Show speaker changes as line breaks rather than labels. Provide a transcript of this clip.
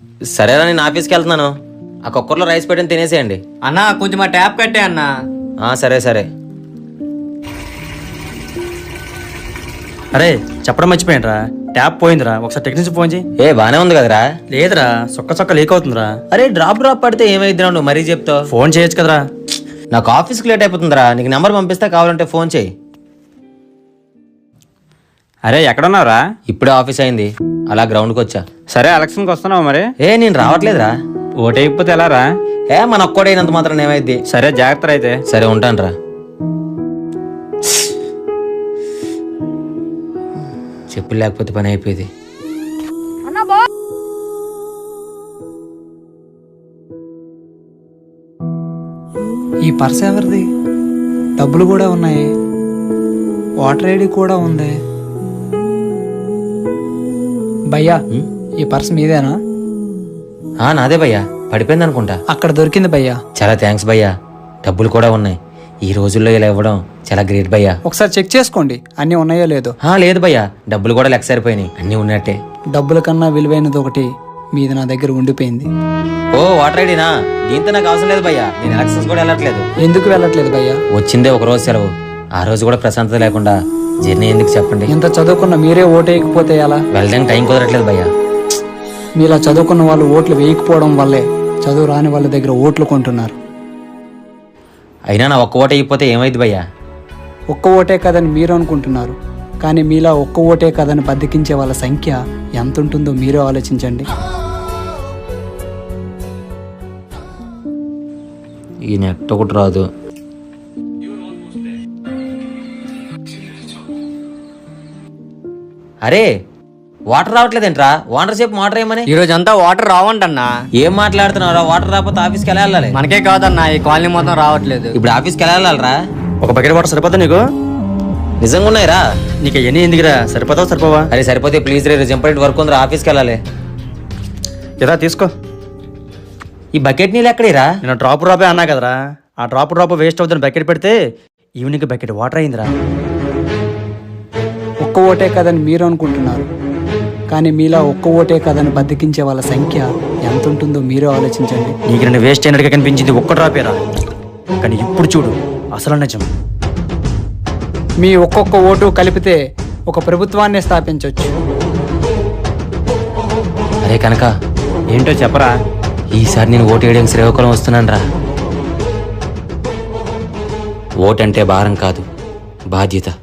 సరేరా, నేను ఆఫీస్కి వెళ్తున్నాను. ఆ కుక్కర్లో రైస్ పెట్టిన తినేసేయండి.
అన్నా కొంచెం మా ట్యాప్ కట్టే అన్నా.
సరే సరే.
అరే చెప్పడం మర్చిపోయినరా, ట్యాప్ పోయిందిరా, ఒకసారి టెక్నీషియన్ ఫోన్ చేయి.
బానే ఉంది కదరా?
లేదురా, చొక్క లీక్ అవుతుందిరా.
అరే డ్రాప్ పడితే ఏమైద్దిరా, నువ్వు మరీ చెప్తావు.
ఫోన్ చేయొచ్చు కదరా.
నాకు ఆఫీస్కి లేట్ అయిపోతుందిరా. నీకు నెంబర్ పంపిస్తా, కావాలంటే ఫోన్ చేయి.
అరే ఎక్కడున్నావురా?
ఇప్పుడే ఆఫీస్ అయింది, అలా గ్రౌండ్కి వచ్చా.
సరే ఎలక్షన్కి వస్తున్నావు మరి?
నేను రావట్లేదురా.
ఓటైపోతే ఎలా రా?
మన ఒక్కడైనంత మాత్రం ఏమైద్ది.
సరే జాగ్రత్త అయితే.
సరే ఉంటానురా. చెప్పులు లేకపోతే పని అయిపోయింది.
ఈ పర్స్ ఎవరిది? డబ్బులు కూడా ఉన్నాయి, వాటర్ ఐడి కూడా ఉంది. భయ్యా ఈ పర్స్ మీదేనా?
నాదే భయ్యా, పడిపోయింది అనుకుంటా.
అక్కడ దొరికింది భయ్యా.
చాలా థ్యాంక్స్ భయ్యా. డబ్బులు కూడా ఉన్నాయి. ఈ రోజుల్లో ఇలా ఇవ్వడం చాలా గ్రేట్ భయ్యా.
ఒకసారి చెక్ చేసుకోండి అన్నీ ఉన్నాయో లేదో.
లేదు భయ్యా, డబ్బులు కూడా లెక్క సరిపోయినాయి, అన్నీ ఉన్నట్టే.
డబ్బుల కన్నా విలువైనది ఒకటి మీది నా దగ్గర ఉండిపోయింది.
వాటర్ ఐడినా? దీంతో నాకు అవసరం లేదు భయ్యా, నేను ఎలక్షన్స్ కూడా వెళ్ళట్లేదు.
ఎందుకు వెళ్ళట్లేదు భయ్యా?
వచ్చిందే ఒక రోజు సెలవు, ఆ రోజు కూడా ప్రశాంతత లేకుండా జర్నీ ఎందుకు చెప్పండి.
ఇంత చదువుకున్న మీరే ఓటు వేయకపోతే ఎలా?
వెళ్ళడానికి టైం కుదరట్లేదు భయ్యా.
మీలా చదువుకున్న వాళ్ళు ఓట్లు వేయకపోవడం వల్లే చదువు రాని వాళ్ళ దగ్గర ఓట్లు కొంటున్నారు.
అయినా నా ఒక్క ఓటు అయిపోతే ఏమైంది భయ్యా?
ఒక్క ఓటే కదని మీరు అనుకుంటున్నారు, కానీ మీలా ఒక్క ఓటే కదని బద్దకించే వాళ్ళ సంఖ్య ఎంత ఉంటుందో మీరే ఆలోచించండి.
ఈ నెట్ ఒకటి రాదు. అరే వాటర్ రావట్లేదేంట్రా? వాటర్ సేపు వాటర్ ఏమని?
ఈ రోజు అంతా వాటర్ రావంటన్నా.
ఏం మాట్లాడుతున్నారా? వాటర్ రాకపోతే ఆఫీస్కి ఎలా వెళ్ళాలి?
మనకే కాదన్నా, ఈ కాలనీ మొత్తం రావట్లేదు.
ఇప్పుడు ఆఫీస్కి ఎలా వెళ్ళాలరా?
ఒక బకెట్ వాటర్ సరిపోతా నీకు?
నిజంగా ఉన్నాయిరా?
నీకు ఎన్ని ఎందుకురా? సరిపోతావు సరిపోవా?
అరే సరిపోతే ప్లీజ్ రే, ఇంపార్టెంట్ వర్క్ ఉందిరా, ఆఫీస్కి వెళ్ళాలి.
ఇదా తీసుకో.
ఈ బకెట్ నీళ్ళు ఎక్కడేరా?
నేను డ్రాప్ అన్నా కదరా, ఆ డ్రాప్ వేస్ట్ అవుతుంది. బకెట్ పెడితే ఈవినింగ్ బకెట్ వాటర్ అయిందిరా.
ఒక్క ఓటే కదని మీరు అనుకుంటున్నారు, కానీ మీలా ఒక్క ఓటే కదని బద్దకించే వాళ్ళ సంఖ్య ఎంత ఉంటుందో మీరే ఆలోచించండి.
నీకు నేను వేస్ట్ అయినట్టుగా కనిపించింది ఒక్క డ్రాపేరా, కానీ ఇప్పుడు చూడు అసలు నిజం.
మీ ఒక్కొక్క ఓటు కలిపితే ఒక ప్రభుత్వాన్ని స్థాపించవచ్చు.
అరే కనుక
ఏంటో చెప్పరా?
ఈసారి నేను ఓటు వేయడానికి శ్రీకాకుళం వస్తున్నాను రా. ఓటంటే భారం కాదు, బాధ్యత.